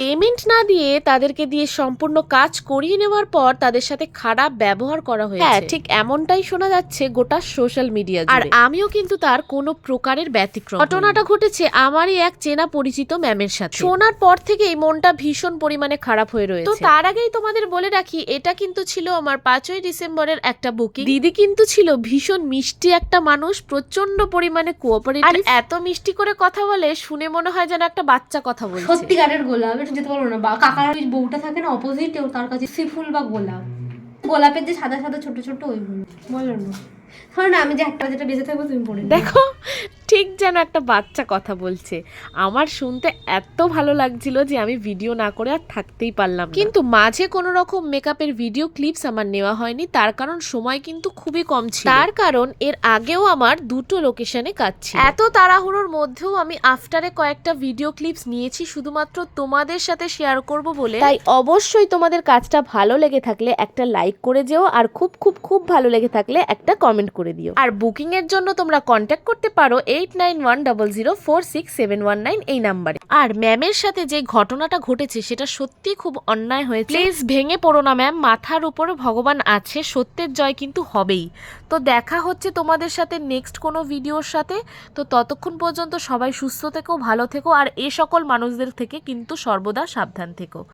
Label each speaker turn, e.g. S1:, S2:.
S1: Payment না দিয়ে তাদেরকে দিয়ে সম্পূর্ণ কাজ করিয়ে নেওয়ার পর তাদের সাথে খারাপ ব্যবহার করা হয়েছে। হ্যাঁ, ঠিক এমনটাই শোনা যাচ্ছে গোটা সোশ্যাল মিডিয়া জুড়ে। আর আমিও কিন্তু তার কোনো প্রকারের ব্যতিক্রম। ঘটনাটা ঘটেছে আমারই এক চেনা পরিচিত ম্যামের সাথে। শোনার পর থেকেই মনটা ভীষণ পরিমাণে খারাপ হয়ে রয়েছে। তো তার আগেই তোমাদের বলে রাখি, এটা কিন্তু ছিল আমার 5ই ডিসেম্বরের একটা বুকিং। দিদি কিন্তু ছিল ভীষণ মিষ্টি একটা মানুষ, প্রচন্ড পরিমাণে কোঅপারেটিভ, আর এত মিষ্টি করে কথা বলে শুনে মনে হয় যেন একটা বাচ্চা কথা বলছে।
S2: সত্যিকারের গোলাপ, এটা যেতে পারবো না। বা কাকার ওই বউটা থাকে না অপোজিটে, তার কাছে ফুল বা গোলাপ, গোলাপের যে সাদা সাদা ছোট ছোট ওইগুলো বলো না। ধরো না আমি যে একটা যেটা বেঁচে থাকবো তুমি পড়ে
S1: দেখো, ঠিক যেন একটা বাচ্চা কথা বলছে। আমার শুনতে এত ভালো লাগছিল যে আমি ভিডিও না করে আর থাকতেই পারলাম না। কিন্তু মাঝে কোনো রকম মেকআপের ভিডিও ক্লিপস আমার নেওয়া হয়নি, তার কারণ সময় কিন্তু খুবই কম ছিল। তার কারণ এর আগেও আমার দুটো লোকেশনে কাজ ছিল। এত তাড়াহুড়োর মধ্যেও আমি আফটারে কয়েকটা ভিডিও ক্লিপস নিয়েছি শুধুমাত্র তোমাদের সাথে শেয়ার করব বলে। তাই অবশ্যই তোমাদের কাজটা ভালো লেগে থাকলে একটা লাইক করে যেও, আর খুব খুব খুব ভালো লেগে থাকলে একটা কমেন্ট করে দিও। আর বুকিং এর জন্য তোমরা কন্ট্যাক্ট করতে পারো 8910046719 এই নাম্বারে। আর ম্যামের সাথে যে ঘটনাটা ঘটেছে সেটা সত্যি খুব অন্যায় হয়েছে। প্লিজ ভেঙে পড়ো না ম্যাম, মাথার উপরে ভগবান আছে, সত্যের জয় কিন্তু হবেই। তো দেখা হচ্ছে তোমাদের সাথে নেক্সট কোনো ভিডিওর সাথে। তো ততক্ষণ পর্যন্ত সবাই সুস্থ থেকো, ভালো থেকো, আর এ সকল মানুষদের থেকে কিন্তু সর্বদা সাবধান থেকো।